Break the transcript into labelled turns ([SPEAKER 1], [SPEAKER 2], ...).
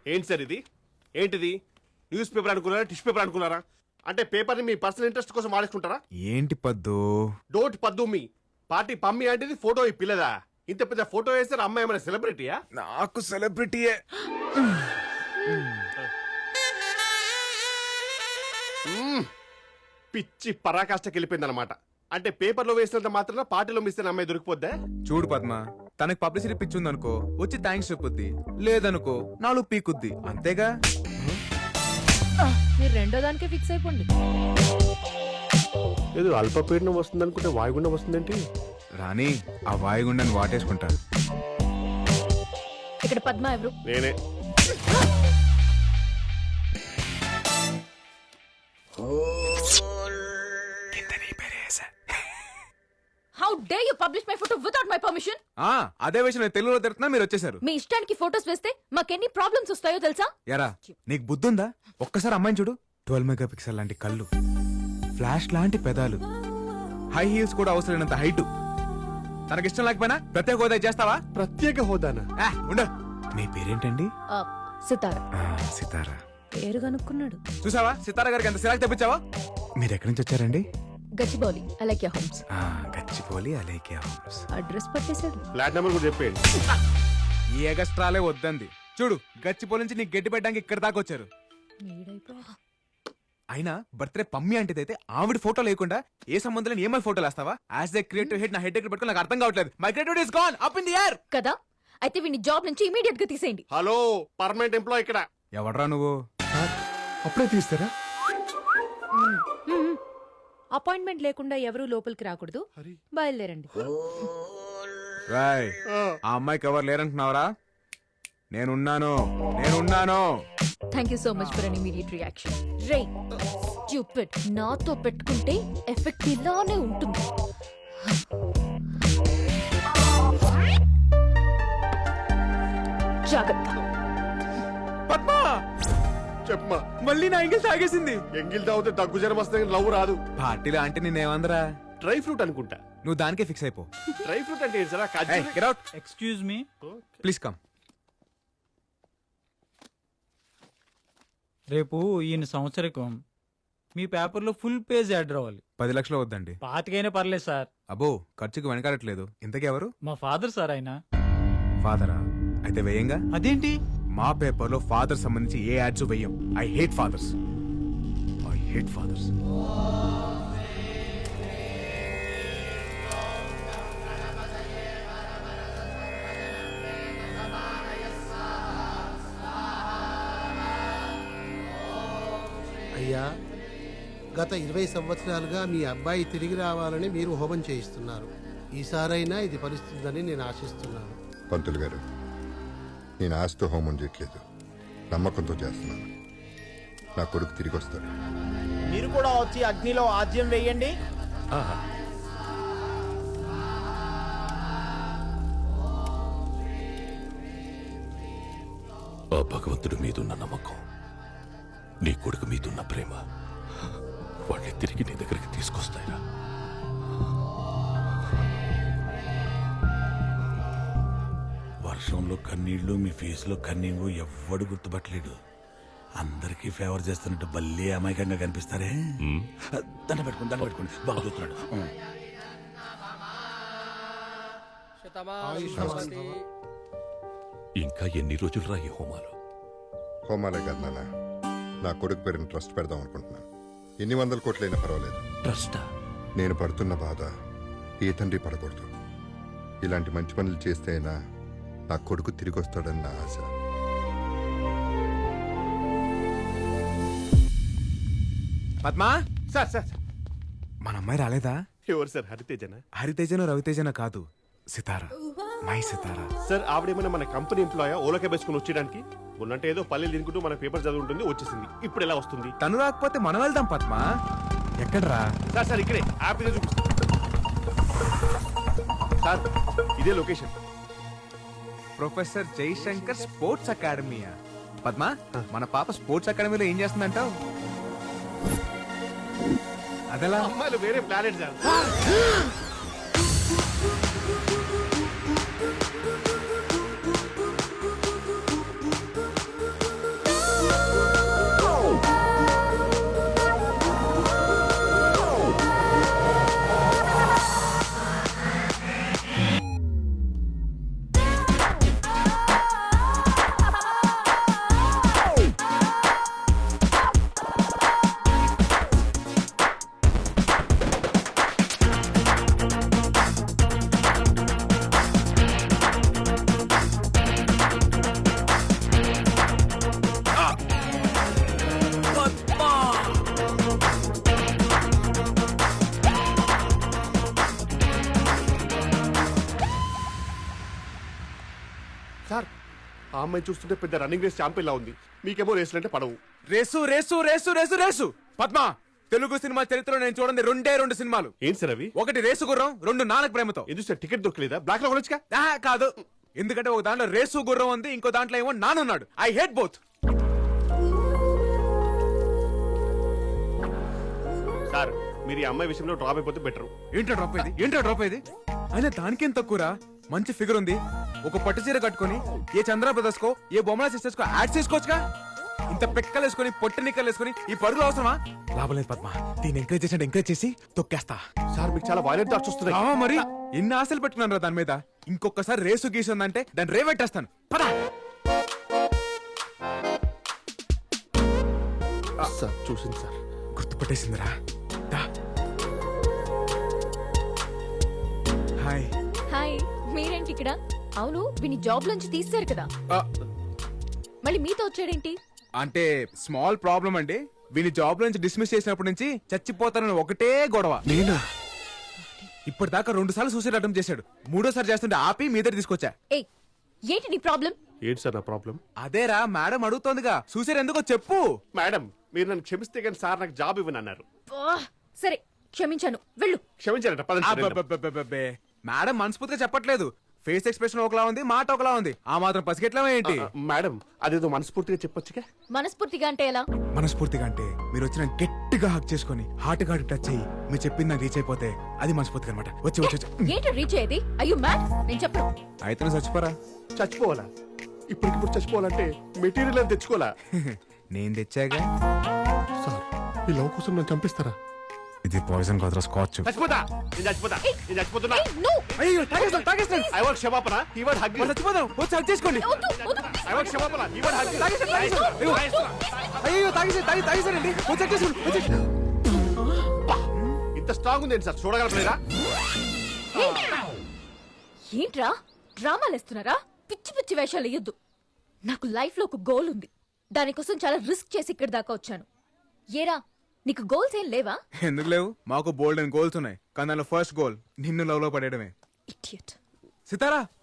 [SPEAKER 1] ఏంటి సార్ ఇది? ఏంటిది? న్యూస్ పేపర్ అనుకున్నారా, టిష్యూ పేపర్ అనుకున్నారా? అంటే పేపర్ని మీ పర్సనల్ ఇంట్రెస్ట్ కోసం వాడేసుకుంటారా?
[SPEAKER 2] ఏంటి పద్దు?
[SPEAKER 1] డోంట్ పద్దు మీ పార్టీ పమ్మి అంటే ఫోటో ఈ పిల్లదా? ఇంత పెద్ద ఫోటో వేస్తే అమ్మాయి ఏమైనా సెలబ్రిటీయా?
[SPEAKER 2] నాకు సెలబ్రిటీయే.
[SPEAKER 1] పిచ్చి పరాకాష్ఠకి వెళ్ళిపోయింది అనమాట. అంటే పేపర్లో వేసినంత మాత్రం పార్టీలో మిస్ అయిన అమ్మాయి దొరికిపోద్దా?
[SPEAKER 2] చూడు పద్మ, తనకి పబ్లిసిటీ పిచ్చుందనుకో వచ్చి థ్యాంక్స్ చెప్పుద్ది, లేదనుకో నాలుగు పీకుద్ది, అంతేగా.
[SPEAKER 3] మీరు రెండో దానికే ఫిక్స్ అయిపోండి.
[SPEAKER 1] ఏదో అల్పపీడనం వస్తుంది అనుకుంటే వాయుగుండం వస్తుందేంటి?
[SPEAKER 2] రాణి ఆ వాయుగుండాన్ని వాటేసుకుంటారు.
[SPEAKER 3] ఇక్కడ పద్మ ఎవరు?
[SPEAKER 1] నేనే.
[SPEAKER 3] How dare you publish my photo without my permission?
[SPEAKER 2] అదే విషయం నేను తెలుగులో తిడుతున్నా, మీరు వచ్చేసారు.
[SPEAKER 3] మీ ఇష్టానికి ఫోటోస్ వేస్తే మాకెన్ని ప్రాబ్లమ్స్ వస్తాయో తెలుసా?
[SPEAKER 2] ఎరా నీకు బుద్ధుందా? ఒక్కసారి అమ్మాయిని చూడు. 12 మెగాపిక్సెల్ లాంటి కళ్ళు, ఫ్లాష్ లాంటి పెదాలు, హై హీల్స్ కూడా అవసరమైనంత హైట్. తనకిష్టం లేకపోయినా ప్రత్యేక హోదా చేస్తావా?
[SPEAKER 1] ప్రత్యేక హోదానా?
[SPEAKER 2] ఉండ. మీ పేరేంటండి?
[SPEAKER 3] సితారా.
[SPEAKER 2] సితారా
[SPEAKER 3] పేరు కనుక్కున్నాడు.
[SPEAKER 2] చూసావా సితారా గారికి ఎంత సిరాకు తెప్పించావా? మీరు ఎక్కడి నుంచి వచ్చారండి?
[SPEAKER 3] Gachibowli Aliekya homes.
[SPEAKER 2] Gachibowli Aliekya homes.
[SPEAKER 3] Address పట్టేశాడు.
[SPEAKER 1] ఫ్లాట్ నెంబర్ కూడా చెప్పేయండి.
[SPEAKER 2] ఈ ఎగస్ట్రాలే వద్దంది. చూడు గచ్చిబౌలి నుంచి నీకు గట్టి పెట్టడానికి ఇక్కడ దాకా వచ్చారు. అయినా బర్త్డే పమ్మి అంటేదైతే ఆవిడ ఫోటో లేకుండా ఏ సంబంధం లేని ఏమై ఫోటోలు వేస్తావా? యాజ్ ఏ క్రియేటివ్ హెడ్ నా హెడ్ దగ్గర పెట్టుకుని నాకు అర్థం కావట్లేదు. My creativity is gone up in the air
[SPEAKER 3] కదా. అయితే వీని జాబ్ నుంచి ఇమీడియట్ గా తీసేయండి.
[SPEAKER 1] హలో, పర్మనెంట్ ఎంప్లాయ్ ఇక్కడ.
[SPEAKER 2] ఎవడ్రా నువ్వు?
[SPEAKER 1] అప్పుడే తీస్తారా?
[SPEAKER 3] అపాయింట్మెంట్ లేకుండా ఎవరూ లోపలికి రాకూడదు. బయలుదేరండి.
[SPEAKER 2] రాయ్ ఆ అమ్మాయికి ఎవరు లేరంటున్నావరా? నేనున్నాను.
[SPEAKER 3] Thank you so much for an immediate reaction. రే స్టూపిడ్, నాతో పెట్టుకుంటే ఎఫెక్ట్ ఇలానే ఉంటుంది. జాగ్రత్త.
[SPEAKER 2] పద్మా
[SPEAKER 1] చెప్పమా.
[SPEAKER 2] మళ్ళీ నా ఎంగిల్ తాగేసింది.
[SPEAKER 1] ఎంగిల్ తాగితే దగ్గు జ్వరం వస్తే లవ్ రాదు.
[SPEAKER 2] పార్టీలో అంటే నేనేమందరా?
[SPEAKER 1] డ్రై ఫ్రూట్ అనుకుంటా.
[SPEAKER 2] నువ్వు దానికే ఫిక్స్ అయిపో.
[SPEAKER 1] డ్రై ఫ్రూట్ అంటే ఏంటి sir?
[SPEAKER 2] Get out.
[SPEAKER 4] Excuse me,
[SPEAKER 2] please come.
[SPEAKER 4] రేపు ఈయన సంవత్సరికం. మీ పేపర్లో ఫుల్ పేజ్ యాడ్ రావాలి.
[SPEAKER 2] 10 లక్షలు వద్దండి.
[SPEAKER 4] పాతికైనా పర్లేదు సార్.
[SPEAKER 2] అబ్బో ఖర్చుకు వెనకాడట్లేదు. ఇంతకీ ఎవరు?
[SPEAKER 4] మా ఫాదర్ సార్ ఆయన.
[SPEAKER 2] ఫాదరా? అయితే వేయంగా.
[SPEAKER 4] అదేంటి?
[SPEAKER 2] మా పేపర్లో ఫాదర్ సంబంధించి ఏ యాడ్స్ వేయం. I hate fathers.
[SPEAKER 5] అయ్యా, గత 20 సంవత్సరాలుగా మీ అబ్బాయి తిరిగి రావాలని మీరు హోమం చేయిస్తున్నారు. ఈసారైనా ఇది ఫలిస్తుందని నేను ఆశిస్తున్నాను.
[SPEAKER 6] పంతులు గారు, నేను ఆశతో హోమం చేయట్లేదు, నమ్మకంతో చేస్తున్నాను. నా కొడుకు తిరిగి వస్తాడు.
[SPEAKER 7] మీరు కూడా వచ్చి అగ్నిలో ఆజ్యం వేయండి.
[SPEAKER 8] ఆ భగవంతుడి మీదున్న నమ్మకం, నీ కొడుకు మీదున్న ప్రేమ వాళ్ళని తిరిగి నీ దగ్గరికి తీసుకొస్తాయిరా.
[SPEAKER 9] వర్షంలో కన్నీళ్లు, మీ ఫేస్ లో కన్నీళ్లు ఎవ్వడు గుర్తుపట్టలేడు. అందరికీ ఫేవర్ చేస్తున్నట్టు భలే అమాయకంగా కనిపిస్తారే. దండ పెట్టుకోండి బాగా చూస్తున్నాడు.
[SPEAKER 8] ఇంకా ఎన్ని రోజులు రా ఈ హోమాలు?
[SPEAKER 6] హోమాలే కాదు నాన్న, నా కొడుకు పేరుని ట్రస్ట్ పెడదాం అనుకుంటున్నాను. ఎన్ని 100 కోట్లైనా పర్వాలేదు.
[SPEAKER 8] ట్రస్టా?
[SPEAKER 6] నేను పడుతున్న బాధ ఏ తండ్రి పడకూడదు. ఇలాంటి మంచి పనులు చేస్తే అయినా నా కొడుకు తిరిగి వస్తాడని నా ఆశ.
[SPEAKER 2] పద్మా.
[SPEAKER 1] సార్ సార్
[SPEAKER 2] మన అమ్మాయి రాలేదా?
[SPEAKER 1] ఎవరు సార్? హరితేజనా?
[SPEAKER 2] హరితేజనో రవితేజనో కాదు, సితారా. My Sitara.
[SPEAKER 1] సార్ ఆవిడేమైనా మన కంపెనీ ఎంప్లాయ్ ఓలకే వేసుకుని వచ్చేయడానికి? ఉన్నట్టు ఏదో పల్లెలు తినుకుంటూ మన పేపర్ చదువుంటుంది, వచ్చేసింది. ఇప్పుడు ఎలా వస్తుంది?
[SPEAKER 2] తను రాకపోతే మనం వెళ్దాం పద్మా. ఎక్కడరా?
[SPEAKER 1] సార్ ఇక్కడే హ్యాపీగా చూపిస్తా సార్. ఇదే లొకేషన్.
[SPEAKER 2] ప్రొఫెసర్ జయశంకర్ స్పోర్ట్స్ అకాడమీయా? పద్మా, మన పాప స్పోర్ట్స్ అకాడమీలో ఏం చేస్తుందంటావు? అదలా
[SPEAKER 1] అమ్మాయిలు వేరే ప్లానెట్ సార్. సార్ ఆ అమ్మాయి చూస్తుంటే పెద్ద రన్నింగ్ రేస్ ఛాంపియన్ లా ఉంది. మీకేమో రేసులు అంటే పడవు.
[SPEAKER 2] Race race race race race Padma, Telugu cinema చరిత్రలో నేను చూడండి రెండు సినిమాలు.
[SPEAKER 1] ఏంటి సార్ అవి?
[SPEAKER 2] ఒకటి రేసు గుర్రం, రెండు నానక ప్రేమతో.
[SPEAKER 1] ఎందుకు సార్ టికెట్ దొరకలేదా? బ్లాక్ లో కొనొచ్చుగా.
[SPEAKER 2] కాదు, ఎందుకంటే ఒక దాంట్లో రేసు గుర్రం ఉంది, ఇంకో దాంట్లో ఏమో నానున్నాడు. I hate both.
[SPEAKER 1] సార్ మీరు ఈ అమ్మాయి విషయంలో డ్రాప్ అయిపోతే బెటర్.
[SPEAKER 2] ఏంటో డ్రాప్ అయ్యేది అయినా దానికేం తక్కువరా. మంచి ఫిగర్ ఉంది, ఒక పట్టు చీర కట్టుకొని ఏ చంద్ర బ్రదర్స్ కో ఏ బొమ్మల సిస్టర్స్ కో యాడ్ చేసుకోవచ్చుగా. ఇంత పెక్కలు వేసుకొని పొట్టి నిక్కలు వేసుకొని ఈ పరుగులు అవసరమా? లాభం లేదు పద్మ, దీన్ని ఎంకరేజ్ చేసి తొక్కేస్తా.
[SPEAKER 1] సార్ మీకు చాలా వైలెంట్ థాట్స్ వస్తున్నాయి.
[SPEAKER 2] మరి ఎన్ని ఆశలు పెట్టుకున్నాను రా దాని మీద. ఇంకొకసారి రేసు గీసు ఉందంటే దాన్ని రేవెట్టేస్తాను. పదా
[SPEAKER 1] సార్ చూసింది సార్.
[SPEAKER 2] గుర్తుపట్టేసిందిరా. హాయ్.
[SPEAKER 3] హాయ్, మీరేంటి ఇక్కడ? అవును, వీని జాబ్ నుంచి తీస్తారు కదా, మళ్ళీ మీతో వచ్చాడేంటి?
[SPEAKER 2] అంటే స్మాల్ ప్రాబ్లం అండి. వీని జాబ్ నుంచి డిస్మిస్ చేసినప్పటి నుంచి చచ్చిపోతానని ఒకటే గొడవ.
[SPEAKER 1] నేనా?
[SPEAKER 2] ఇప్పటిదాకా 2 సార్లు సూసైడ్ అటెంప్ట్ చేశాడు. 3ోసారి చేస్తుంటే ఆపి మీ దగ్గర తీసుకొచ్చా.
[SPEAKER 3] ఏ ఏంటి నీ ప్రాబ్లం?
[SPEAKER 1] ఏంటి సార్ నా ప్రాబ్లం?
[SPEAKER 2] అదేరా మేడం అడుగుతోందిగా, సూసైడ్ ఎందుకో చెప్పు.
[SPEAKER 1] మేడం మీరు నన్ను క్షమిస్తే కానీ సార్ నాకు జాబ్ ఇవ్వను అన్నారు.
[SPEAKER 3] సరే క్షమించాను, వెళ్ళు.
[SPEAKER 1] క్షమించారట. పదండి సార్, వెళ్దాం.
[SPEAKER 2] అబ్బబ్బబ్బబ్బబ్బే. మేడం మనస్ఫూర్తిగా చెప్పట్లేదు. ఫేస్ ఎక్స్ప్రెషన్ ఒకలా ఉంది, మాట ఒకలా ఉంది. ఆ మాత్రం పసిగెట్లా ఏంటి?
[SPEAKER 1] మేడం అదేదో మనస్ఫూర్తిగా చెప్పొచ్చుగా.
[SPEAKER 3] మనస్ఫూర్తిగా అంటే ఎలా?
[SPEAKER 2] మనస్ఫూర్తిగా అంటే మీరు వచ్చిన గట్టిగా హక్ చేసుకొని హార్ట్ టచ్ అయ్యి మీరు చెప్పింది నాకు రీచ్ అయిపోతే అది మనస్ఫూర్తిగా అనమాట. వచ్చి
[SPEAKER 3] ఏంటి రీచ్ అయ్యేది? అయ్యో మ్యాడ్, నేను చెప్పను.
[SPEAKER 2] అయితే నువ్వు చచ్చిపోరా.
[SPEAKER 1] చచ్చిపోవాలా? ఇప్పటికిప్పుడు చచ్చిపోవాలంటే మెటీరియల్ అని తెచ్చుకోవాలా?
[SPEAKER 2] నేను తెచ్చాగా.
[SPEAKER 1] సార్ ఈ లవ్ కోసం నన్ను చంపిస్తారా?
[SPEAKER 2] ఇది పాయిజన్ కాదురా, స్కాచ్.
[SPEAKER 1] చచ్చిపోతా. నేను చచ్చిపోతున్నా.
[SPEAKER 2] అయ్యో తాగేస్తాను.
[SPEAKER 1] ఐ వాంట్ క్షమాపణ. He want hug.
[SPEAKER 2] చచ్చిపోదాం, వచ్చి హక్ చేసుకోండి.
[SPEAKER 1] ఐ వాంట్ క్షమాపణ. He want hug.
[SPEAKER 2] అయ్యో తాగేసానండి. వచ్చి హక్ చేసుకోండి.
[SPEAKER 1] ఇంత స్ట్రాంగ్ ఉంది సార్, చూడగలరా?
[SPEAKER 3] ఏంట్రా డ్రామాలు వేస్తున్నారా? పిచ్చి పిచ్చి వేషాలు వేయొద్దు. నాకు లైఫ్ లో ఒక గోల్ ఉంది, దానికోసం చాలా రిస్క్ చేసి ఇక్కడి దాకా వచ్చాను. ఏరా నీకు గోల్స్ ఏం లేవా?
[SPEAKER 2] ఎందుకు లేవు, మాకు బోల్డ్ అండ్ గోల్స్ ఉన్నాయి. కానీ దానిలో ఫస్ట్ గోల్ నిన్ను లవ్ లో పడేయడమే.
[SPEAKER 3] ఇడియట్.
[SPEAKER 2] సితారా